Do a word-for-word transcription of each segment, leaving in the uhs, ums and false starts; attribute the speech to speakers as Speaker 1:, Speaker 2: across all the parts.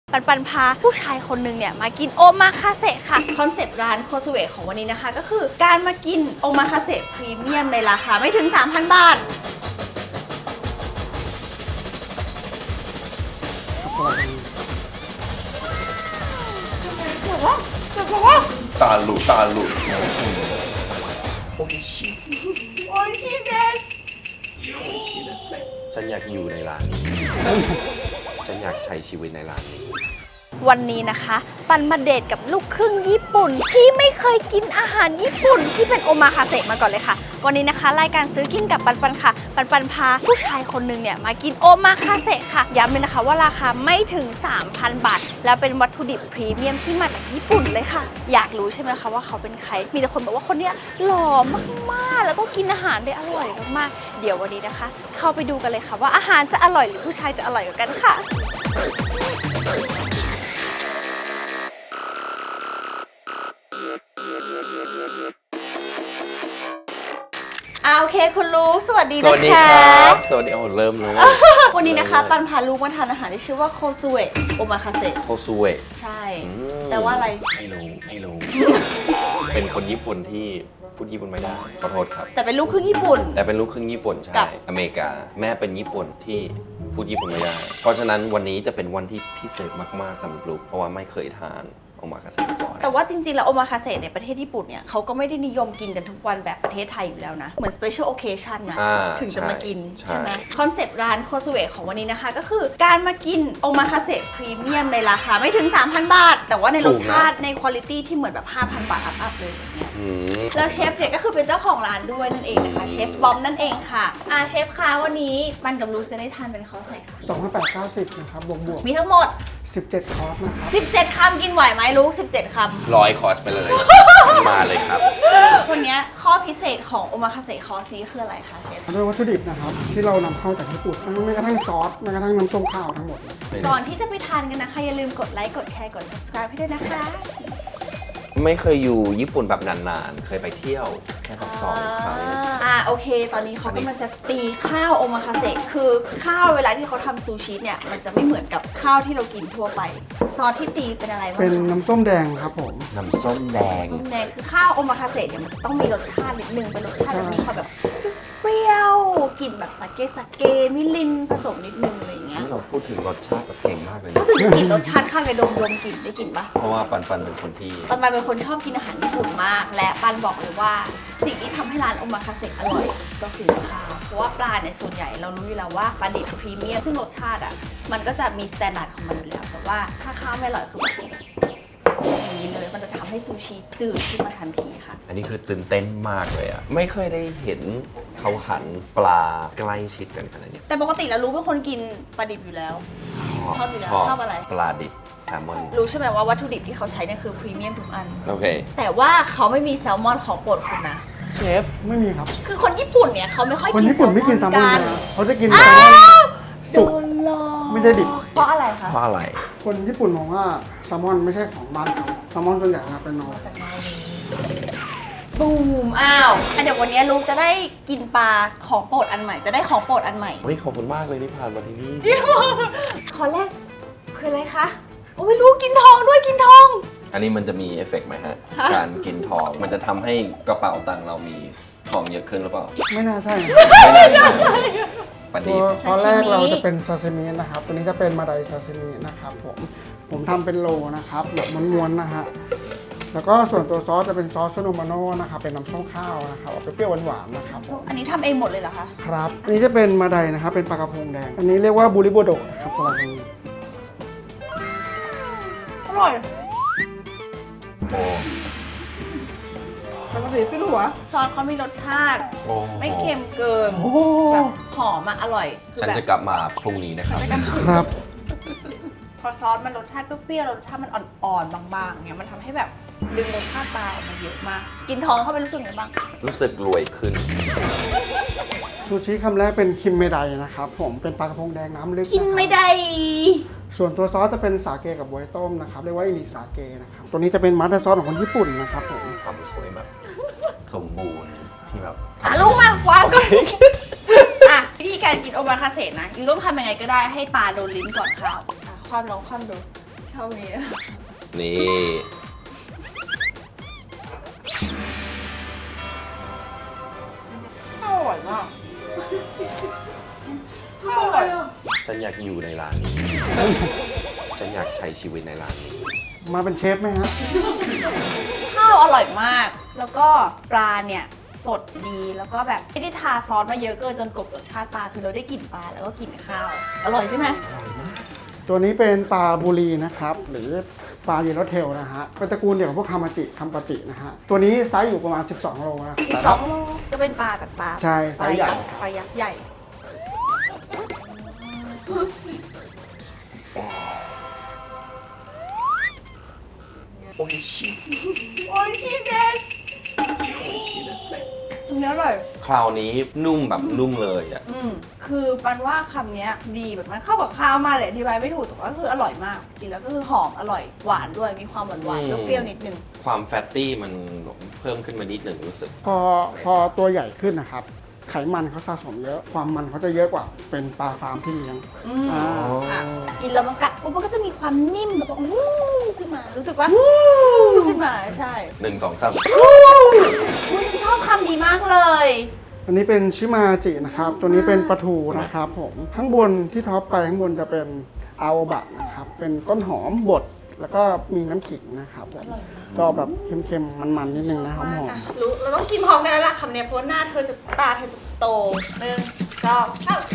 Speaker 1: ปันปันพาผู้ชายคนหนึ่งเนี่ยมากินโอมาคาเซะค่ะคอนเซปต์ร้านโคซูเอะของวันนี้นะคะก็คือการมากินโอมาคาเซะพรีเมียมในราคาไม่ถึง สามพัน บาท
Speaker 2: ตาหลุดตาหลุดโอ้ยชิ
Speaker 1: โอ้ยพี่เดส
Speaker 2: ฉันอยากอยู่ในร้านนี้ ฉันอยากใช้ชีวิตในร้านนี้
Speaker 1: วันนี้นะคะปันมาเดทกับลูกครึ่งญี่ปุ่นที่ไม่เคยกินอาหารญี่ปุ่นที่เป็นโอมาคาเซะมาก่อนเลยค่ะวันนี้นะคะรายการซื้อกินกับปันปันค่ะปันปันพาผู้ชายคนหนึ่งเนี่ยมากินโอมาคาเซะค่ะย้ำเลยนะคะว่าราคาไม่ถึง สามพัน บาทแล้วเป็นวัตถุดิบพรีเมียมที่มาจากญี่ปุ่นเลยค่ะอยากรู้ใช่ไหมคะว่าเขาเป็นใครมีแต่คนบอกว่าคนเนี้ยหล่อมากๆแล้วก็กินอาหารได้อร่อยมากๆเดี๋ยววันนี้นะคะ เข้าไปดูกันเลยค่ะว่าอาหารจะอร่อยหรือผู้ชายจะอร่อยกว่ากันค่ะอ่าโอเคคุณลูกสวัสดีนะคะ
Speaker 2: สวัสดีครับสวัสดีโอ้เริ่มเลย
Speaker 1: วันนี้นะคะปันพาลูกมาทานอาหารที่ชื่อว่าโคซูเอะโอมาคาเซะ
Speaker 2: โคซูเอะ
Speaker 1: ใช่แปลว่าอะไร
Speaker 2: ไม่รู้ไม่รู้ เป็นคนญี่ปุ่นที่พูดญี่ปุ่นไม่ได้ขอโทษครับ
Speaker 1: แต่เป็นลูกครึ่งญี่ปุ่น
Speaker 2: แต่เป็นลูกครึ่งญี่ปุ่นใช่
Speaker 1: กับ
Speaker 2: อเมริกาแม่เป็นญี่ปุ่นที่พูดญี่ปุ่นไม่ได้ เพราะฉะนั้นวันนี้จะเป็นวันที่พิเศษมากๆสำหรับลูกเพราะว่าไม่เคยทานโอมาคาเซะมาก่อน
Speaker 1: แต่ว่าจริงๆแล้วโอมาคาเซะในประเทศญี่ปุ่นเนี่ยเขาก็ไม่ได้นิยมกินกันทุกวันแบบประเทศไทยอยู่แล้วนะ เหมือน special occasion นะ
Speaker 2: อ่า
Speaker 1: ถึงจะมากิน
Speaker 2: ใช่
Speaker 1: ใช่ไหมคอนเซปต์ร้านโคซูเอะของวันนี้นะคะก็คือการมากินโอมาคาเซะพรีเมียมในราคาไม่ถึง สามพัน บาท แต่ว่าในรสชาติในคุณภาพที่เหมือนแบบ ห้าพัน บาทอัพๆเลยอย่างเงี้ย
Speaker 2: อืม
Speaker 1: แล้วเชฟเนี่ยก็คือเป็นเจ้าของร้านด้วยนั่นเองนะคะเชฟบอมนั่นเองค่ะอ่าเชฟคะวันนี้ปันกับลูกจะได้ทานเป็นคอร์สไหนคะ
Speaker 3: สองพันแปดร้อยเก้าสิบนะครับบวกบวก
Speaker 1: มีทั้งหมด
Speaker 3: สิบเจ็ดคอร์สนะครับ
Speaker 1: สิบเจ็ด คำกินไหวไหมลูกสิบเจ็ด คำ
Speaker 2: ร้อยคอร์สไปเลย มาเลยครับ
Speaker 1: วันนี้ข้อพิเศษของโอมาคาเซะคอร์สนี้คืออะไรคะเชฟ
Speaker 3: ด้วยวัตถุดิบนะครับที่เรานำเข้าจากญี่ปุ่นไม่กระทั่งซอสแม้กระทั่งน้ำส้มข้าวทั้งหมดเลย
Speaker 1: ก่อนที่จะไปทานกันนะคะ อย่าลืมกดไลค์ กดแชร์ กด subscribe ให้ด้วยนะคะ
Speaker 2: ไม่เคยอยู่ญี่ปุ่นแบบนานๆ เคยไปเที่ยวแค่แบบสองครั้ง
Speaker 1: อ่าโอเค ตอนนี้เขากำลังจะตีข้าวโอมาคาเซะคือข้าวเวลาที่เขาทำซูชิเนี่ยมันจะไม่เหมือนกับข้าวที่เรากินทั่วไป ซอสที่ตีเป็นอะไรบ้าง
Speaker 3: เป็น
Speaker 1: คะ
Speaker 3: น้ำส้มแดงครับผม
Speaker 2: น้ำส้มแดง
Speaker 1: ส้มแดงคือข้าวโอมาคาเซะเนี่ยมันจะต้องมีรสชาตินิดนึงเป็นรสชาติแบบมีความแบบเปรี้ยวกลิ่นแบบสาเกสาเกมิรินผสมนิดนึงอะไรอย่างเงี้ย
Speaker 2: นี่เราพูดถึงรสชาติแบบเก่งมากเลย
Speaker 1: ก็
Speaker 2: นะ
Speaker 1: ถึงกลิ่นรสชาติข้าวไก่ดมดมกลิ่นได้กลิ่นปะ
Speaker 2: เพราะว่าปันปันเป็นคนที่
Speaker 1: ปันปันเป็นคนชอบกินอาหารญี่ปุ่นมาก และปันบอกเลยว่าสิ่งที่ทำให้ร้านโอมาคาเซะอร่อยก็คือข้าวเพราะว่าปลาเนี่ยส่วนใหญ่เรารู้อยู่แล้วว่าปลาดิบพรีเมียมซึ่งรสชาติอ่ะมันก็จะมีสแตนดาร์ดของมันอยู่แล้วแต่ว่าถ้าข้าวไม่อร่อยคือแบบอย่างนี้เลยมันจะทำให้ซูชิจืดขึ้นมาทันทีค่ะ
Speaker 2: อันนี้คือตื่นเต้นมากเลยอ่ะ ไม่เคยได้เห็นเขาหั่นปลาใกล้ชิดกันขนาดนี้
Speaker 1: แต่ปกติแล้วรู้เป็นคนกินปลาดิบอยู่แล้ว ชอบอยู่แล้วชอบอะไร
Speaker 2: ปลาดิบแซลมอน
Speaker 1: รู้ใช่ไหมว่าวัตถุดิบที่เขาใช้เนี่ยคือพรีเมียมทุกอัน
Speaker 2: โอเค
Speaker 1: แต่ว่าเขาไม่มีแซลมอนของโปรดคุณนะ
Speaker 2: เชฟ
Speaker 3: ไม่มีครับ
Speaker 1: คือคนญี่ปุ่นเนี่ยเขาไม่ค่อย
Speaker 3: คน
Speaker 1: กิน
Speaker 3: ญี่ปุ่นไม่กินแซลมอน
Speaker 1: กั
Speaker 3: นะเขาจะกินแซ
Speaker 1: อ้า
Speaker 3: ลมอน
Speaker 1: ว
Speaker 3: สุก
Speaker 1: โดนหลอก
Speaker 3: ไม่ใช่ดิบ
Speaker 1: เพราะอะไรคะ
Speaker 2: เพราะอะไร
Speaker 3: คนญี่ปุ่นมองว่าแซลมอนไม่ใช่ของบ้านเขาแซลมอนส่วนใหญ่นะเป็นนอร์
Speaker 1: จากนอร์เวย์บูมอ้าวอ่ะเดี๋ยววันนี้ลูกจะได้กินปลาของโปรดอันใหม่ จะได้ของโปรดอันใหม่
Speaker 2: เฮ้ยขอบคุณมากเลยที่ผ่านมาที่นี่
Speaker 1: ขอแรกคืออะไรคะโอ้ไม่รู้กินทองด้วยกินทอง
Speaker 2: อันนี้มันจะมีเอฟเฟกต์ไหมฮะ
Speaker 1: ฮะ
Speaker 2: การกินทอง มันจะทำให้กระเป๋าตังค์เรามีทองเยอะขึ้นหรือเปล่า
Speaker 3: ไม่น่าใช่นะ
Speaker 2: ไม่น่าใช่ประ
Speaker 3: ตั
Speaker 2: ดิ
Speaker 3: ว
Speaker 2: ษฐ์
Speaker 3: ตอนแรกเราจะเป็นซาซิมินะครับตัวนี้จะเป็นมาไดซาซิมินะครับผมผมทำเป็นโลนะครับแบบม้วนๆนะฮะแล้วก็ส่วนตัวซอสจะเป็นซอสโซโนมาโน่นะครับเป็นน้ำส้มข้าวนะครับออกเปรี้ยวๆหวานๆนะครับผม
Speaker 1: อันนี้ทำเองหมดเลยเหรอคะ
Speaker 3: ครับ อันนี้จะเป็นมาไดนะครับ เป็นปลากระพงแดง อันนี้เรียกว่าบูริโบโดะนะครับตัวนี้
Speaker 1: อร่อย
Speaker 2: โอ้
Speaker 1: ปกติไม่รู้วะซอสเขามีรสชาติ
Speaker 2: โอ้
Speaker 1: ไม่เค็มเกินแบบหอมอะอร่อยคือ
Speaker 2: ฉัน
Speaker 1: แบบ
Speaker 2: จะกลับมาพรุ่งนี้นะครับ
Speaker 3: ครับ
Speaker 1: พอซอสมันรสชาติเปรี้ยวๆรสชาติมันอ่อนๆบางๆเงี้ยมันทำให้แบบดึงรสชาติปลาออกมาเยอะมาก กินทองเข้าไปรู้สึกไงบ้าง
Speaker 2: รู้สึกรวยขึ้น
Speaker 3: ซูชิคำแรกเป็นคิมเมไดนะครับผม เป็นปลากระพงแดงน้ำลึก
Speaker 1: กินไม่ได้
Speaker 3: ส่วนตัวซอสจะเป็นสาเกกับบวยต้มนะครับ เรียกว่าอิริสาเกนะครับ ตัวนี้จะเป็นมาสเตอร์ซอสของคนญี่ปุ่นนะครับผม
Speaker 2: ความสวยแบบสมบูรณ์ที่แบบ
Speaker 1: อ่ะลูกมาวางก่อน อ่ะวิธีการกินโอมาคาเซะนะยูต้องทำยังไงก็ได้ให้ปลาโดนลิ้นก่อนข้าวอ่ะคว่ำลองคว่ำดูท่านี้
Speaker 2: นี่
Speaker 1: อร่อยมากอร่อยอ่ะ
Speaker 2: ฉันอยากอยู่ในร้านนี้ ฉันอยากใช้ชีวิตในร้านนี้
Speaker 3: มาเป็นเชฟไหมฮะ
Speaker 1: ข้าวอร่อยมาก แล้วก็ปลาเนี่ยสดดีแล้วก็แบบไม่ได้ทาซอสมาเยอะเกินจนกลบรสชาติปลาคือเราได้กลิ่นปลาแล้วก็กลิ่นข้าว อร่อยใช่ไหม
Speaker 3: ตัวนี้เป็นปลาบุรีนะครับ หรือปลาเยลโลเทลนะฮะเป็นตระกูลเดียวกับพวกคามาจิคัมปาจินะฮะ ตัวนี้ไซส์อยู่ประมาณ สิบสอง โลนะ
Speaker 1: สิบสองโลก็เป็นปลาแบบปลา
Speaker 3: ใช่
Speaker 1: ปลา
Speaker 3: ไซส์ใหญ่
Speaker 1: ยักษ์ปลายักษ์ใหญ่
Speaker 2: โอ้ยชิ
Speaker 1: โอ้ยพี่เด็ดเนื้ออร่อย
Speaker 2: คราวนี้นุ่มแบบนุ่มเลยอ่ะ
Speaker 1: อืมคือปันว่าคำเนี้ยดีแบบมันเข้ากับข้าวมากเลยอธิบายไม่ถูกแต่ว่าคืออร่อยมากกินแล้วก็คือหอมอร่อยหวานด้วยมีความหวานหวาน
Speaker 2: อืม
Speaker 1: เปรี้ยวๆนิดนึง
Speaker 2: ความแฟตตี้มันเพิ่มขึ้นมานิดหนึ่งรู้สึก
Speaker 3: พอพอตัวใหญ่ขึ้นนะครับ ไขมันเขาสะสมเยอะ ความมันเขาจะเยอะกว่าเป็นปลาฟาร์มที่เลี้ยง
Speaker 1: อืม
Speaker 3: อ่า
Speaker 1: ค่ะกินแล้วมันกัดปุ๊บมันก็จะมีความนิ่มแบบว่าวู้ขึ้นมารู้สึกว่าวู้ขึ้นมาใช่
Speaker 2: หนึ่งสองสาม
Speaker 1: อุ๊ยฉันชอบคำนี้มากเลย
Speaker 3: อันนี้เป็นชิมาจินะครับ ตัวนี้เป็นปลาทูนะครับผม ข้างบนที่ท็อปไปข้างบนจะเป็นอาโอบะนะครับ เป็นต้นหอมบด แล้วก็มีน้ำขิงนะครับผมก็แบบเค็มๆ มันๆ นิดนึงนะหอม
Speaker 1: รู้เราต้องกินพร้อมกันแล้วล่ะคำเนี้ยเพราะว่าหน้าเธอจะตาเธอจะโตหนึ่งสองสาม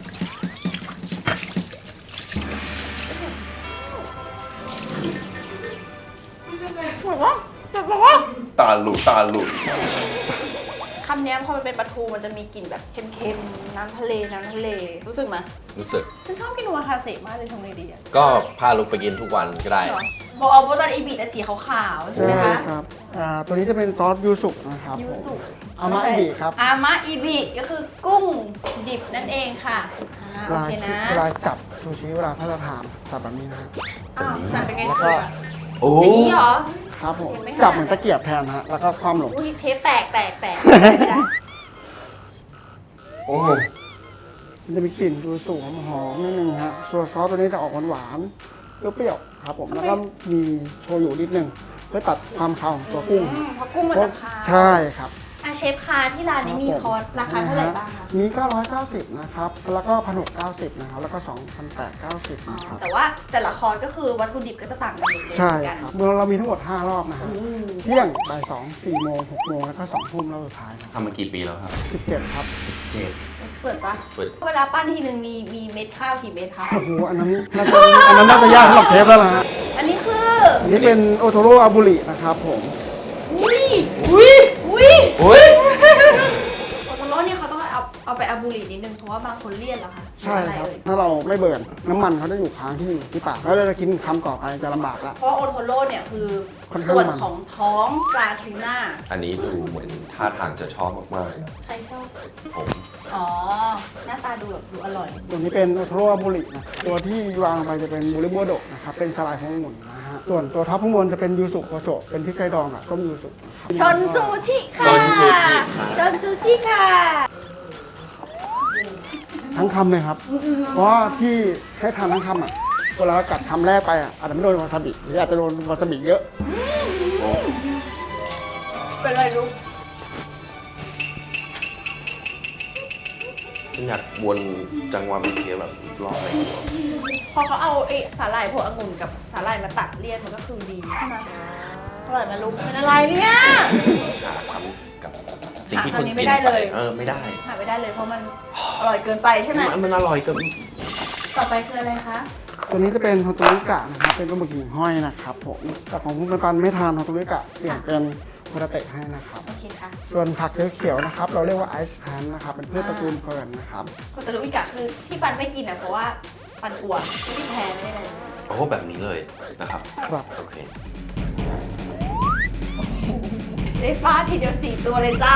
Speaker 1: บอกว่าจะบอกว่า
Speaker 2: ตาหลุดตาหลุด
Speaker 1: คำเนี้ยพอมันเป็นปลาทูมันจะมีกลิ่นแบบเค็มๆน้ำทะเลน้ำทะเลรู้สึกไหม
Speaker 2: รู้สึก
Speaker 1: ฉันชอบกินโอมาคาเสะมากเลยทำไงดีอะ
Speaker 2: ก็พาลูกไปกินทุกวันก็ได้
Speaker 1: เหรอบอกเอาโบตันอีบีแต่สีขาวๆ
Speaker 3: ๆ
Speaker 1: ใช่ไหม
Speaker 3: ใช่
Speaker 1: คะ
Speaker 3: ครับอ่าตัวนี้จะเป็นซอสยูสุนะครับ
Speaker 1: ยูสุ
Speaker 3: อามะอิบิครับ
Speaker 1: อามะอิบิก็คือกุ้งดิบนั่นเองค่ะอ่า
Speaker 3: เว
Speaker 1: โอ
Speaker 3: ลา
Speaker 1: เคนะ
Speaker 3: เวลาจับซูชิเวลาถ้าจะทานจับแบบนี้นะครับ
Speaker 1: อ้าวจัดเป็นไง
Speaker 3: แล้ว
Speaker 1: คะ
Speaker 3: ก็
Speaker 2: โอ้
Speaker 1: อย่างนี้เหรอ
Speaker 3: ครับผม
Speaker 1: ยังไม่ขนาด
Speaker 3: จับเหมือนตะเกียบแทนนะฮะแล้วก็คว่ำลง
Speaker 1: อุ้ยเทปแตกแตกแตกไม่ได้
Speaker 2: โอ้
Speaker 3: มันจะมีกลิ่นยูสุหอมๆนิดนึงฮะส่วนซอสตัวนี้จะออกหวานๆเปรี้ยวๆครับผมแล้วก็มีโชยุนิดนึงเพื่อตัดความคาวของตัวกุ้ง
Speaker 1: อืมเพราะกุ้งมันจะคาว
Speaker 3: ใช่ครับ
Speaker 1: อ่ะเชฟคะที่ร้านนี้มีคอร์สราคาเท่าไหร่บ้างคะ
Speaker 3: มี เก้าร้อยเก้าสิบ นะครับ แล้วก็ หนึ่งพันหกร้อยเก้าสิบ นะครับ แล้วก็ สองพันแปดร้อยเก้าสิบ นะครับ
Speaker 1: แต่ว่าแต่ละคอร์สก็คือวัตถุดิบก็จะต่างกันหมดเลย
Speaker 3: ใช่
Speaker 1: เหมือนกัน
Speaker 3: ครับเรามีทั้งหมด ห้า รอบนะฮะ
Speaker 1: อืม
Speaker 3: เที่ยงบ่ายสอง สี่โมง หกโมง แล้วก็ สองทุ่มรอบสุดท้ายนะ
Speaker 2: ทำมากี่ปีแล้วครับ
Speaker 3: สิบเจ็ด ครับ
Speaker 2: สิบเจ็ด
Speaker 1: เอ็กซ์เปิดปะ
Speaker 2: เปิด
Speaker 1: เวลาปั้นทีนึงมีมีเม็ดข้าวกี่เม็ดคะ
Speaker 3: โอ้โห อันนั้นน่าจะอันนั้นน่าจะยากสำหรับเชฟแล้วนะฮะ
Speaker 1: อันนี้คือ
Speaker 3: อันนี้เป็นโอโทโร่อาบุรินะครับผม
Speaker 1: อุ้ยอุ้ยอุ้ย
Speaker 2: อุ้ย
Speaker 1: โอโทโร่เนี่ยเขาต้องเอาเอาไปอาบูรินิดนึงเพราะว่าบางคนเลี่ยนเหรอคะ
Speaker 3: ใช่ครับ
Speaker 1: หออะไเอ่ย
Speaker 3: ถ้าเราไม่เบิร์นน้ำมันเขาจะอยู่ค้างที่อยู่ที่ปากแล้วเราจะกินคำต่อไปจะลำบากละ
Speaker 1: เพราะโอโทโร่เนี่ยคือ
Speaker 3: ค่อนข้าง
Speaker 1: ส่วน
Speaker 3: มัน
Speaker 1: ของท้องปลาทูน่า
Speaker 2: อันนี้ดูเหมือนท่าทางจะชอบมาก
Speaker 1: ใครชอบ
Speaker 2: ๆ ผม
Speaker 1: อ๋อ หน้าตาดูแบบดูอร่อย
Speaker 3: ตัวนี้เป็นโอโทโร่อาบุรินะตัวที่วางลงไปจะเป็นบุริโบโดะนะครับ เป็นสลายขององุ่นนะฮะ ส่วนตัวท็อปข้างบนจะเป็นยูสุโคโชะเป็นพริกไทยดองกับต้มยูสุนะครับ
Speaker 1: ชนซูชิค่ะ
Speaker 2: ชนซูชิค่ะ
Speaker 1: ชนซูชิค่ะ
Speaker 3: ทั้งคำเลยครับ เพราะว่าที่ให้ทานทั้งคำอ่ะเวลาเรากัดคำแรกไปอ่ะอาจจะไม่โดนวาซาบิหรืออาจจะโดนวาซาบิเยอะ
Speaker 2: โอ้
Speaker 1: เป็นไรลูก
Speaker 2: ฉันอยากวนจังหวะเมื่อกี้แบบอีกรอบเลย
Speaker 1: พอเขาเอาไอ้สาหร่ายพวกองุ่นกับสาหร่ายมาตัดเลี่ยนมันก็คือดีใช่ไหมอร่อยไหมลูกเป็นอะไรเนี่ย
Speaker 2: หาคำกับสิ่งที่
Speaker 1: หา
Speaker 2: คุณ
Speaker 1: คำนี้
Speaker 2: กิน
Speaker 1: ไม่ได้
Speaker 2: ไป
Speaker 1: เลย
Speaker 2: เออไม่ได้
Speaker 1: หาไม่ได้เลยเพราะมันอร่อยเกินไปใช่ไหม
Speaker 2: มันมันอร่อยเกิน
Speaker 1: ต่อไปคืออะไรคะ
Speaker 3: ตัวนี้จะเป็นโฮโตริกะนะครับ เป็นปลาหมึกหิ่งห้อยนะครับผมแต่ของคุณปันไม่ทานโฮโตริกะเปลี่ยนเป็นโฮตาเตะให้นะครับ
Speaker 1: โอเคค่ะ
Speaker 3: ส่วนผักเขียวๆนะครับ เราเรียกว่าไอซ์แพนนะครับ เป็นพืชตระกูลเฟิร์นนะครับ
Speaker 1: โคตารุอิกะคือที่ปันไม่กินอ่ะเพราะว่าปันกลัวไม่ได้แพ้ไม่ได้อะไร
Speaker 2: โอ้แบบนี้เลยนะครับ
Speaker 3: ครับ
Speaker 2: โอเค
Speaker 1: ได้ฟาดทีเดียวสี่ตัวเลยจ้า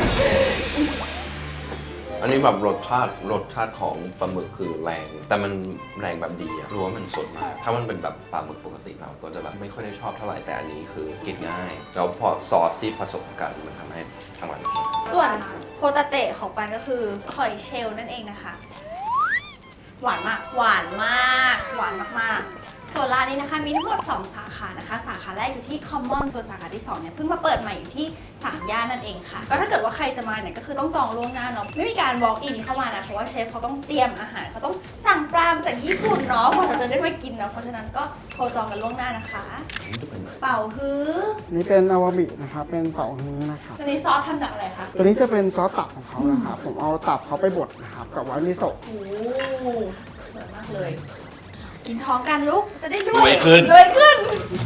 Speaker 2: อันนี้แบบรสชาติรสชาติของปลาหมึกคือแรง แต่มันแรงแบบดีอะรู้ว่ามันสดมาก ถ้ามันเป็นแบบปลาหมึกปกติเราก็จะแบบไม่ค่อยได้ชอบเท่าไหร่ แต่อันนี้คือกินง่าย แล้วพอซอสที่ผสมกันมันทำให้อร่อย
Speaker 1: ส่วนโคตาเตะของปันก็คือหอยเชลล์นั่นเองนะคะ หวานมาก หวานมาก หวานมากๆ ส่วนวนร้านนี้นะคะมีทั้งหมดสองสาขานะคะสาขาแรกอยู่ที่ Common ส่วนสาขาที่สองเนี่ยเพิ่งมาเปิดใหม่อยู่ที่สามย่านนั่นเองค่ะก็ถ้าเกิดว่าใครจะมาเนี่ยก็คือต้องจองล่วงหน้าเนาะไม่มีการ walk in เข้ามานะเพราะว่าเชฟเขาต้องเตรียมอาหารเขาต้องสั่งปลามาจากญี่ปุ่นเนาะกว่าเราจะได้มากินเนาะเพราะฉะนั้นก็โทรจองกันล่วงหน้านะคะ
Speaker 2: นี่จะเป็น
Speaker 1: เป่าฮื้อ
Speaker 3: นี่เป็นอาวาบินะครับเป็นเป่าฮื้อนะครับ
Speaker 1: ตัวนี้ซอสทำจากอะไรคะ
Speaker 3: ตัวนี้จะเป็นซอสตับของเขานะครับผมเอาตับเขาไปบดนะครับกับไวท์มิโซะ
Speaker 1: โอ้โหสวยมากเลย กินท้องกันลูกจะได้ด้
Speaker 2: ร
Speaker 1: ว
Speaker 2: วย ยขึ้น
Speaker 1: รวยขึ้น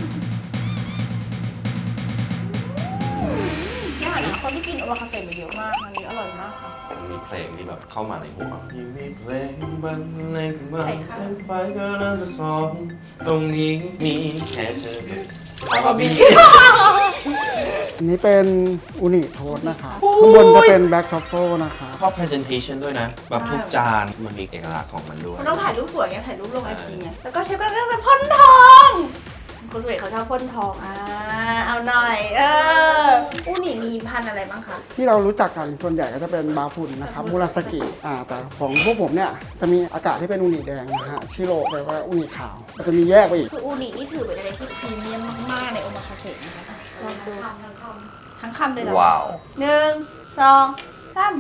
Speaker 1: ยากนะคนที่กินโอมาคาเฟ่มาเยอะมากอันนี้อร่อยมากค่ะ
Speaker 2: มันมีเพลงที่แบบเข้ามาในหัวยังมีเพลงบรรเลงขึ้นมา
Speaker 1: ใช่ค่ะ
Speaker 2: เส้นไฟก็เริ่มจะส่องตรงนี้มีแค่เธอ
Speaker 1: เอาบะหมี่
Speaker 3: อันนี้เป็นอูนิโทสต์นะครับข้างบนจะเป็นแบล็กทรัฟเฟิลนะครับ
Speaker 2: ชอบ presentation ด้วยนะ แบบทุกจานมันมีเอกลักษณ์ของมันด้วย
Speaker 1: มันต้องถ่ายรูปสวยไงถ่ายรูปลงไอจีไงแล้วก็เชฟก็เรื่องเป็นพ่นทองคุณสเวทเขาชอบพ่นทองอ่าเอาหน่อยเอออูนี่มีพันธุ์อะไรบ้างคะ
Speaker 3: ที่เรารู้จักกันส่วนใหญ่ก็จะเป็นบาฟุนนะครับมูราสกิอ่าแต่ของพวกผมเนี่ยจะมีอากาศที่เป็นอูนิแดงนะฮะชิโร่แปลว่าอูนิขาวมันจะมีแยกไปอีก
Speaker 1: คืออูนินี่ถือเป็นอะไรที่พรีเมียมมากๆในโอมาคาเฟ่นะคะลองดูทั้งคำเลยเหรอ
Speaker 2: ว้าว
Speaker 1: หนึ่งสองสาม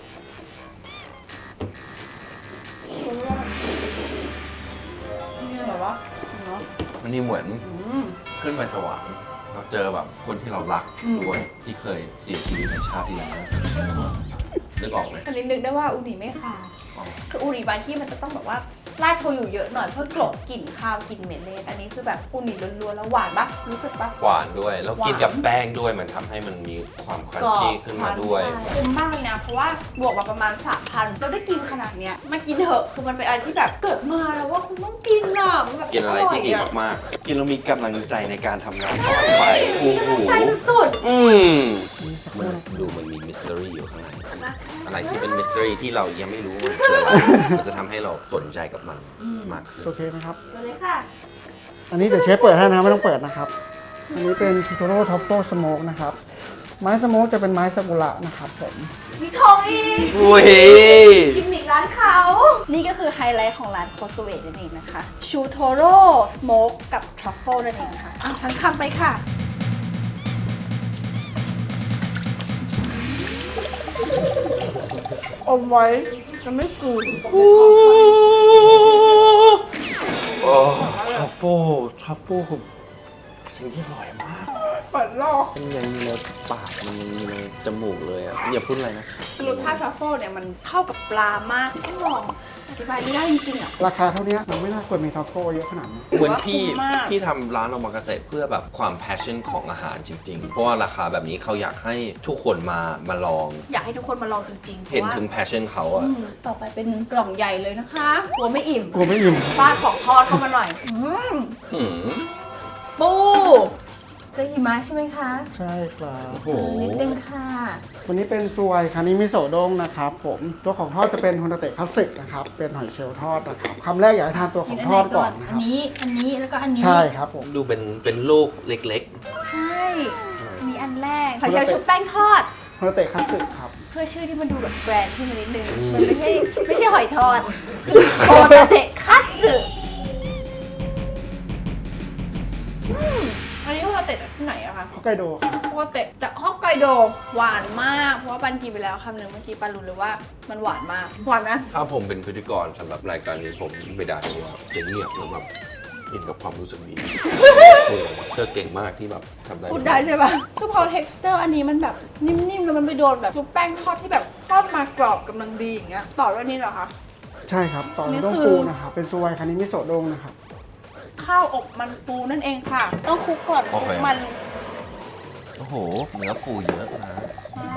Speaker 1: นี่เหรอวะเนาะ
Speaker 2: มันนี่เหมือน
Speaker 1: อืม
Speaker 2: ขึ้นไปสวรรค์เราเจอแบบคนที่เรารัก
Speaker 1: อืม
Speaker 2: ด้วยที่เคยเสียชีวิตในชาติที่แล้วนึกออกไหม
Speaker 1: อันนี้นึกได้ว่าอูนิไม่ขาว
Speaker 2: อ๋อ
Speaker 1: คืออูนิบางที่มันจะต้องแบบว่าราดโชยุเยอะหน่อยเพื่อกลบกลิ่นข้าวกลิ่นเหม็นเลยอันนี้คือแบบอูนิล้วนๆแล้วหวานปะรู้สึกปะ
Speaker 2: หวานด้วย แล้วกินกับแป้งด้วยมันทำให้มันมีความครันชี่ขึ้นมาด้วย
Speaker 1: ใช่คุ้มมากเลยนะ เพราะว่าบวกมาประมาณสามพันเราได้กินขนาดเนี้ยมากินเถอะคือมันเป็นอะไรที่แบบเกิดมาแล้วว่าคุณต้องกินอ่ะมันแบบ
Speaker 2: กินอะไรที่ดี
Speaker 1: ย
Speaker 2: มากๆ กินแล้วมีกำลังใจในการทำงานต่อไปโอ้โห
Speaker 1: ใจสุด
Speaker 2: อืม
Speaker 3: มีสักค
Speaker 2: มัน
Speaker 3: รู่นะ
Speaker 2: ดูมันมีมิส t ต r y อยู่ข้างใน อะไรที่เป็นมิส t ต r y ที่เรายังไม่รู้ว่ามันคืออะไร มันจะทำให้เราสนใจกับมันมากขึ้น
Speaker 3: โอเคไหมครับ
Speaker 1: ๆเลยค่ะ
Speaker 3: อันนี้เดี๋ยวเชฟเปิดให้นะไม่ต้องเปิดนะครับ อันนี้เป็นทิโทโร่ท็อปโปสโมกนะครับ ไม้สโมกจะเป็นไม้ซากุระนะครับผม
Speaker 1: มีทองอีก
Speaker 2: อุ้ย
Speaker 1: กิมมิกร้านเขา นี่ก็คือไฮไลท์ของร้านโคสเวตนั่นเองนะคะชูโทโร่สโมกกับทรัฟเฟิลนั่นเองค่ะอ่ะทั้งคำไปค่ะ อมไว้จะไม่กลืน
Speaker 2: โอ้ทรัฟเฟิลทรัฟเฟิลคือสิ่งที่อร่อยมาก
Speaker 1: เปิดโลก
Speaker 2: มันยังมีในปาก มันยังมีในจมูกเลยอ่ะ อย่าพูดอะไรนะ
Speaker 1: รสชาติทรัฟเฟิลเนี่ยมันเข้ากับปลามากต้องลองอธิบายไม่ได้จริงๆอ่ะ
Speaker 3: ราคาเท่านี้มันไม่น่าควรมีทรัฟเฟิลเยอะขนาดนี้
Speaker 2: เหมือนพี่
Speaker 1: ถือว่าคุ้มมาก
Speaker 2: พี่ทำร้านโอมากาเสะเพื่อแบบความ passion ของอาหารจริง ๆ เพราะว่าราคาแบบนี้เขาอยากให้ทุกคนมามาลอง
Speaker 1: อยากให้ทุกคนมาลองจริงๆเพ
Speaker 2: เห็น
Speaker 1: ราะว่า
Speaker 2: ถึง passion เขาอะ
Speaker 1: อืมต่อไปเป็นกล่องใหญ่เลยนะคะกลัวไม่อิ่ม
Speaker 3: กลัวไม่อิ่ม
Speaker 1: ฟาดของทอดเข้ามาหน่อยอืม
Speaker 2: หืม
Speaker 1: ปูเจอหิมะใช่ไหมคะ
Speaker 3: ใช่ครับ
Speaker 2: โอ้โห
Speaker 1: นิดนึงค่ะ
Speaker 3: วันนี้เป็นซวยคานิมิโซะด้งนะครับผมตัวของทอดจะเป็นฮอนดาเตะคลาสสิกนะครับเป็นหอยเชลล์ทอดนะครับคำแรกอยากให้ทานตัวของทอดก่อนนะค
Speaker 1: อั
Speaker 3: รับ
Speaker 1: นนี้ อันนี้ แล้วก็อันนี้
Speaker 3: ใช่ครับผม
Speaker 2: ดูเป็นเป็นลูกเล็ก
Speaker 1: ใช่ มีอันแรกหอยเชลล์ชุบแป้งทอด
Speaker 3: ฮอนดาเตะคลาสสิกครับ
Speaker 1: เพื่อชื่อที่มันดูแบบแบรนด์ขึ้นมานิดนึง
Speaker 2: อืม
Speaker 1: มันไม่ใช่ไม่ใช่หอยทอดคือโคตาเตะคัตสึอืมอันนี้โคตาเตะจากที่ไหนอะคะ
Speaker 3: ฮอกไกโดครับ
Speaker 1: โคตาเตะจากฮอกไกโดหวานมาก เพราะว่าปันกินไปแล้วคำหนึ่งเมื่อกี้ปันรู้เลยว่ามันหวานมาก หวานนะ
Speaker 2: ๆ ถ้าผมเป็นพิธีกรสำหรับรายการนี้ผมไม่ได้เพราะว่าจะเงียบแล้วแบบอินกับความรู้สึกนี้โอ้โหเธอเก่งมากที่แบบทำได้
Speaker 1: พูดได้ใช่ปะคือพอ texture อันนี้มันแบบนิ่มๆ แล้วมันไปโดนแบบชุบแป้งทอดที่แบบทอดมากรอบกำลังดีอย่างเงี้ย ต่อด้วยนี่เหรอคะ
Speaker 3: ใช่ครับต่อ
Speaker 1: นี่
Speaker 3: ด้วยด้ง
Speaker 1: คือ
Speaker 3: ปูนะครับเป็นซวยคานิมิโซะด้งนะครับ
Speaker 1: ข้าวอบมันปูนั่นเองค่ะ ต้องคลุกก่อนคลุกมัน
Speaker 2: โอ้โหเนื้อปูเยอะนะ
Speaker 1: ใช่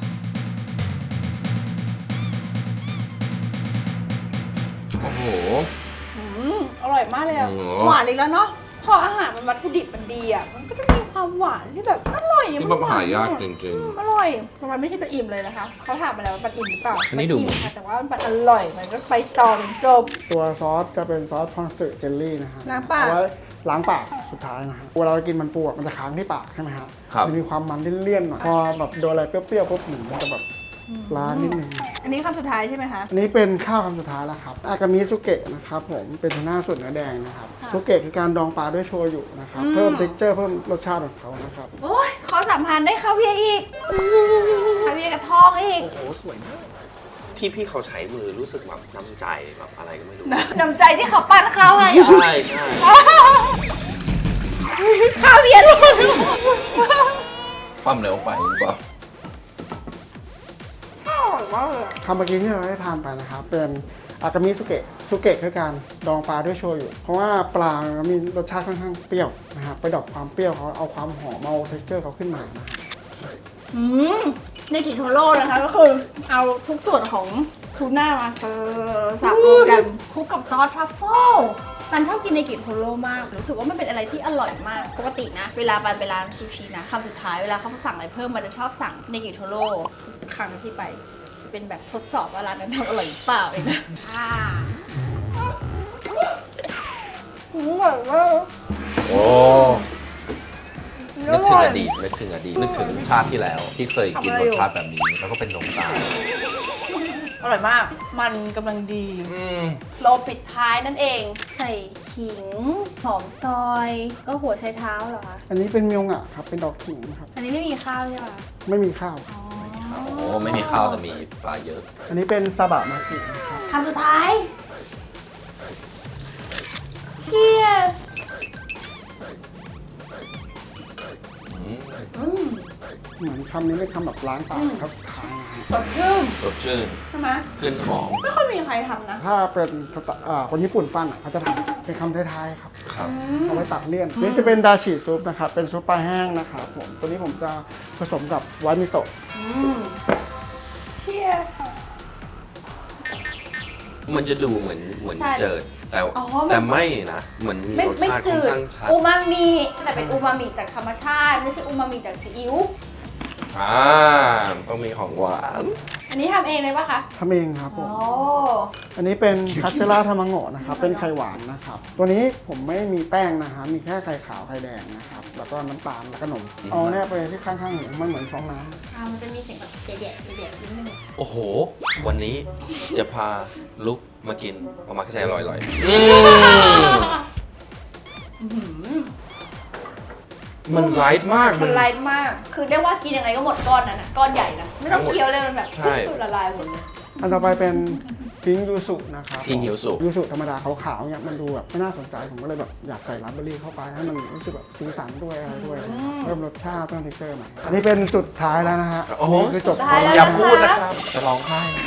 Speaker 2: โอ้โห
Speaker 1: อืมอร่อยมากเลยอะ
Speaker 2: โอ้โห
Speaker 1: หวานอีกแล้วเนาะ พออาหารมันวัตถุดิบมันดีอะมันก็จะมีความหวานที่แบบอร่อยอะ
Speaker 2: ที่แบบหายากจริง
Speaker 1: อืมอร่อยมันไม่ใช่จะอิ่มเลยนะคะ เขาถามมาแล้วว่ามันอิ่มหรือเปล่า
Speaker 2: อันนี้ดู
Speaker 1: มัอิ่มค่ะแต่ว่ามันอร่อย มันก็ไปต่อถึงจบ
Speaker 3: ตัวซอสจะเป็นซอสพอนสึเจลลี่นะฮะ
Speaker 1: ล้างปาก
Speaker 3: เอไว้ล้างปากสุดท้ายนะฮะเวลาเรากินมันปูอะมันจะค้างที่ปากใช่ไหมฮะ
Speaker 2: ครับ
Speaker 3: มันมีความมันเลี่ยนๆหน่อยพอแบบโดนอะไรเปรี้ยวๆปุ๊บหนึ่งมันจะแบบล้างนิดนึง
Speaker 1: อันนี้คำสุดท้ายใช่ไหมคะ
Speaker 3: อันนี้เป็นข้าวคำสุดท้ายแล้วครับอากามิสุเกะนะครับผมเป็นทูน่าส่วนเนื้อแดงนะครับ
Speaker 1: ค่ะ
Speaker 3: สุเกะคือการดองปลาด้วยโชยุนะครับ
Speaker 1: อืม
Speaker 3: เพิ่ม texture เพิ่มรสชาติของเขานะครับ
Speaker 1: โอ้ยขอสามพันได้คาเวียร์อีกคาเวียร์กับทองอีก
Speaker 2: โอ้โหสวยมากที่พี่เขาใช้มือรู้สึกแบบน้ำใจแบบอะไรก็ไม่รู้
Speaker 1: น้ำใจที่เขาปั้นข้าวให้เหรอ
Speaker 2: ใช่ใช่
Speaker 1: คาเวียร์เลย
Speaker 2: ความเร็วไปหรือเปล่า
Speaker 3: คำเมื่อกี้ที่เราได้ทานไปนะครับ เป็นอากามิสุเกะสุเกะคือการดองปลาด้วยโชยุเพราะว่าปลามันมีรสชาติค่อนข้างเปรี้ยวนะครับไปดรอปความเปรี้ยวเขาเอาความหอมเอา texture เขาขึ้นมานะครับ
Speaker 1: อืมในกิโทโร่นะคะก็คือเอาทุกส่วนของทูน่ามาเออสับรวมกันคลุกกับซอสทรัฟเฟิลปันชอบกินในกิโทโร่มากรู้สึกว่ามันเป็นอะไรที่อร่อยมากปกตินะ เวลาปันไปร้านซูชินะคำสุดท้ายเวลาเขาสั่งอะไรเพิ่มมันจะชอบสั่งในกิโทโร่ทุกครั้งที่ไปเป็นแบบทดสอบว่าร้านนั้นทำอร่อยหรือเปล่าเองนะอ่าอร่อยมาก
Speaker 2: โอ้นึกถึงอดีตนึกถึงอดีตนึกถึงชาติที่แล้ว ที่เคยกินรสชาติแบบนี้ แล้วก็เป็นนมตาล
Speaker 1: อร่อยมาก มันกำลังดี
Speaker 2: อืม
Speaker 1: โรลปิดท้ายนั่นเอง ใส่ขิง หอมซอย ก็หัวไชเท้าเหรอคะ
Speaker 3: อันนี้เป็นเมียวงะครับเป็นดอกขิงครับ
Speaker 1: อันนี้ไม่มีข้าวใช่ปะ
Speaker 3: ไม่มีข้าว
Speaker 1: อ๋อ
Speaker 2: โอ้ไม่มีข้าวแต่มีปลาเยอะ
Speaker 3: อันนี้เป็นซาบะมากินะครับ
Speaker 1: คำสุดท้าย Cheers
Speaker 2: อืม
Speaker 1: อืม
Speaker 3: เหมือนคำนี้เป็นคำแบบล้างปากครับสุดท้ายนะฮะ
Speaker 1: สดชื่น
Speaker 2: สดชื่น
Speaker 1: ใช่ไหม
Speaker 2: ขึ้นหอม
Speaker 1: ไม่ค่อยมีใครทำนะ
Speaker 3: ถ้าเป็นสไตล์อ่าคนญี่ปุ่นปั้นอ่ะเขาจะทำเป็นคำท้ายๆครับ
Speaker 2: ครับ
Speaker 3: เอาไว้ตัดเลี่ยนนี่จะเป็นดาชิซุปนะครับ เป็นซุปปลาแห้งนะครับผม ตัวนี้ผมจะผสมกับไวท์มิโซะ
Speaker 1: อืม Cheers
Speaker 2: มันจะดูเหมือนเหมือน
Speaker 1: ใช่
Speaker 2: เจิด แต่
Speaker 1: อ๋อมัน
Speaker 2: แต่ไม่นะ เหมือนมี
Speaker 1: ไม่
Speaker 2: รส
Speaker 1: ไม่
Speaker 2: ชาติค่อ
Speaker 1: จื
Speaker 2: น
Speaker 1: ด
Speaker 2: ข้างชัด
Speaker 1: อูมามิแต่เป็นอูมามิจากธรรมชาติ ไม่ใช่อูมามิจากซีอิ๊ว
Speaker 2: อ่าต้องมีของหวาน
Speaker 1: อันนี้ทำเองเลยปะคะ
Speaker 3: ทำเองครับผ
Speaker 1: อ๋อ
Speaker 3: ม อันนี้เป็นคัสเซล่าทามังโงะนะครับ เป็นไข่หวานนะครับ ตัวนี้ผมไม่มีแป้งนะฮะมีแค่ไข่ขาวไข่แดงนะครับ แล้วก็น้ำตาลแล้วก็นม เอาเนี่ยไปที่ข้างๆหูมันเหมือนฟองน้ำ
Speaker 1: อ่ามันจะมีเสียงแบบเด็ดๆเด็ดๆนิดนึง
Speaker 2: โอ้โห วันนี้จะพาลุกมากินเอามาแค่ใส่ลอยๆอืมมันไลท์มาก
Speaker 1: มันไลท์มาก คือเรียกว่ากินยังไงก็หมดก้อนนั้นนะก้อนใหญ่นะ ไม่ต้องเคี้ยวเลยมันแบบ
Speaker 2: ใช่
Speaker 1: ละลายหมดเลย
Speaker 3: อันต่อไปเป็นพิงยูสุนะครับ
Speaker 2: พิงยูสุ
Speaker 3: ยูสุธรรมดาขาวๆเนี่ยมันดูแบบไม่น่าสนใจ ผมก็เลยแบบอยากใส่ราสเบอร์รี่เข้าไปให้มันรู้สึกแบบสีสันด้วยอะไรด้วยเพิ่มรสชาติเพิ่มเท็กเจอร์ใหม่อันนี้เป็นสุดท้ายแล้วนะฮะ
Speaker 2: โอ้โห
Speaker 3: นนี้คือจบ
Speaker 1: สุดท้ายแล้ว
Speaker 2: อย่าพูดนะครับ จะร้องไห้นะ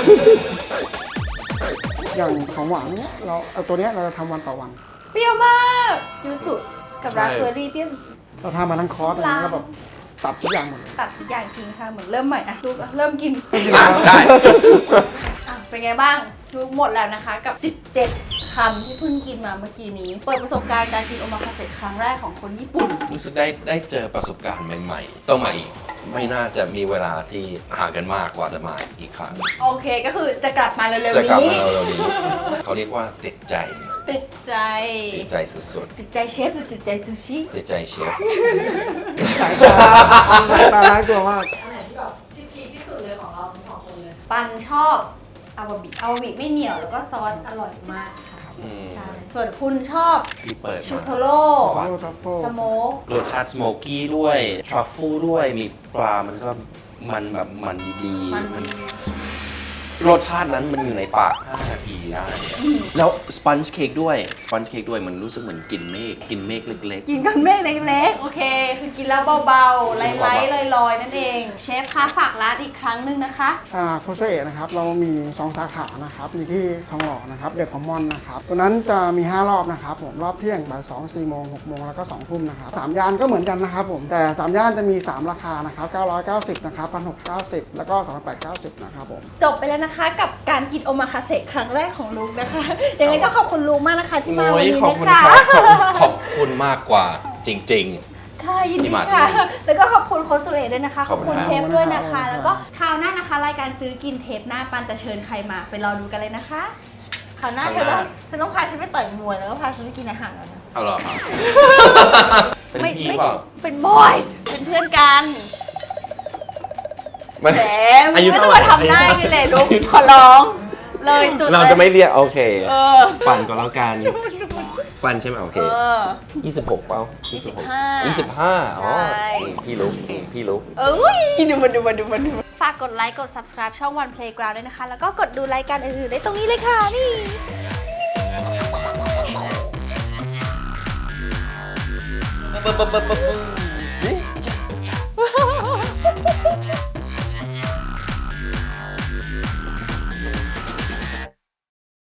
Speaker 3: อย่างของหวานเนี้ยเราเอาตัวเนี้ยเราจะทำวันต่อวัน
Speaker 1: เปรี้ยวมากยูสุกับราสเบอร์รี่เปรี้ยวสุด
Speaker 3: เราทำมาทั้งคอร์สเลยแล้วแบบตัดทุกอย่างหมดเลย
Speaker 1: ๆตัดทุกอย่างทิ้งค่ะ เหมือนเริ่มใหม่อะลูกอะเริ่มกิน
Speaker 2: อ่ะได้
Speaker 1: อ่ะเป็นไงบ้างลูกหมดแล้วนะคะกับ สิบเจ็ด คำที่เพิ่งกินมาเมื่อกี้นี้ เปิดประสบการณ์การกินโอมาคาเสะครั้งแรกของคนญี่ปุ่น
Speaker 2: รู้สึกได้ได้เจอประสบการณ์ใหม่ๆ ต้องมาอีก ไม่น่าจะมีเวลาที่ห่างกันมากกว่าจะมาอีกครั้ง
Speaker 1: โอเคก็คือจะกลับมาเร็ว
Speaker 2: จะ
Speaker 1: ๆ
Speaker 2: กลับ
Speaker 1: นี้
Speaker 2: มาเร็วๆนี้เขาเรียกว่าติดใจ
Speaker 1: ติดใจ
Speaker 2: ติดใจสุด
Speaker 1: ติดใจเชฟหรือติดใจซูชิ
Speaker 2: ๆ ติดใจเชฟ
Speaker 3: สายตาสายตาน่ากลัวมาก
Speaker 1: อันไหนที่แบบที่พีคที่สุดเลยของเราทั้งสองคนเลย ปันชอบอาวาบิอาวาบิไม่เหนียวแล้วก็ซอสอร่อยมากค่ะ
Speaker 2: อืม
Speaker 1: ใช่ส่วนคุณชอบ
Speaker 2: ที่เปิด
Speaker 1: ชู
Speaker 2: มา
Speaker 1: โทโร่
Speaker 3: โอ้ทัฟเฟิล
Speaker 1: สโมก
Speaker 2: รสชาติสโมกี้ด้วย ทรัฟเฟิลด้วย มีปลา มันก็มันแบบมันดี
Speaker 1: มัน
Speaker 2: มันรสชาตินั้นมันอยู่ในปากห้านาทีได้แล้วสปันจ์เค้กด้วย สปันจ์เค้กด้วย มันรู้สึกเหมือนกินเมฆ กินเมฆเล็ก
Speaker 1: กินกันเมฆเล็กๆ โอเค คือกินแล้วเบาๆ ไล่ๆลอยๆ นั่นเอง เชฟคะฝากร้านอีกครั้งหนึงนะคะ
Speaker 3: อ่าโคเซเอะนะครับ เรามีสองสาขานะครับมีที่ทองหล่อนะครับเดอะคอมมอนนะครับตัวนั้นจะมีห้ารอบนะครับผมรอบเที่ยงบ่ายสองสี่โมงหกโมงแล้วก็สองทุ่มนะครับสามย่านก็เหมือนกันนะครับผมแต่สามย่านจะมีสามราคานะครับเก้าร้อยเก้าสิบนะครับพันหกเก้าสิบแล้วก็สองพันแปดเก้าสิบนะครับผม
Speaker 1: จบไปแล้วนะคะกับการกินโอมาคาเสะครั้งแรกของลุงนะคะ ยังไงก็ขอบคุณลุงมากนะคะ
Speaker 2: ๆ
Speaker 1: ที่มาวัน
Speaker 2: โอ้ย
Speaker 1: นี้
Speaker 2: ขอบ
Speaker 1: นะ
Speaker 2: คุณ
Speaker 1: คะ
Speaker 2: ครับขอบคุณขอบคุณมากกว่าจริง
Speaker 1: ค่ะยิน
Speaker 2: ที่
Speaker 1: ดี
Speaker 2: มา
Speaker 1: ค่ะ
Speaker 2: ที่นี่
Speaker 1: แล้วก็ขอบคุณโค้ชสุเอด้วยนะคะ ข
Speaker 2: ข
Speaker 1: อ
Speaker 2: อ
Speaker 1: บบ
Speaker 2: คุ
Speaker 1: คุณ
Speaker 2: ณ
Speaker 1: เช
Speaker 2: ครับ
Speaker 1: ฟด้วยนะคะ
Speaker 3: ขอบคุณครับ
Speaker 1: แล้วก็คราวหน้านะคะ รายการซื้อกินเทปหน้าปันจะเชิญใครมาไปรอดูกันเลยนะคะคราวหน้าเธอต้องเธอต้องพาฉันไปต่อยมวยแล้วก็พาฉันไปกินอาหารแล้วนะ
Speaker 2: เอาเหรอครับ เป็น
Speaker 1: ไม่
Speaker 2: พี่
Speaker 1: ไม่
Speaker 2: เป
Speaker 1: ใช่
Speaker 2: ล่า
Speaker 1: เป็นบอยเป็นเพื่อนกัน
Speaker 2: ไม่
Speaker 1: แหม
Speaker 2: อายุ
Speaker 1: ไม่
Speaker 2: เท่า
Speaker 1: ต้อง
Speaker 2: ไหร่
Speaker 1: มาทำหน้ากันเลยลูกขอร้องเลยจุด
Speaker 2: เราจะไม่เรียกโอเค
Speaker 1: เออ
Speaker 2: ปั่นก็แล้วกันปั่นใช่ไหมโอเค
Speaker 1: เออ
Speaker 2: ยี่สิบหกเปล่า
Speaker 1: ยี่สิบห้า
Speaker 2: ยี่สิบห้าอ๋อ
Speaker 1: ใช่
Speaker 2: พี่รู้พี่รู้
Speaker 1: เอ้ยดูมันดูมันดูมันดูมันฝากกดไลค์กด subscribe ช่อง One Playground ด้วยนะคะ แล้วก็กดดูรายการอื่นๆได้ตรงนี้เลยค่ะ นี่
Speaker 2: ปึ๊บปึ๊บปึ๊บปึ๊บ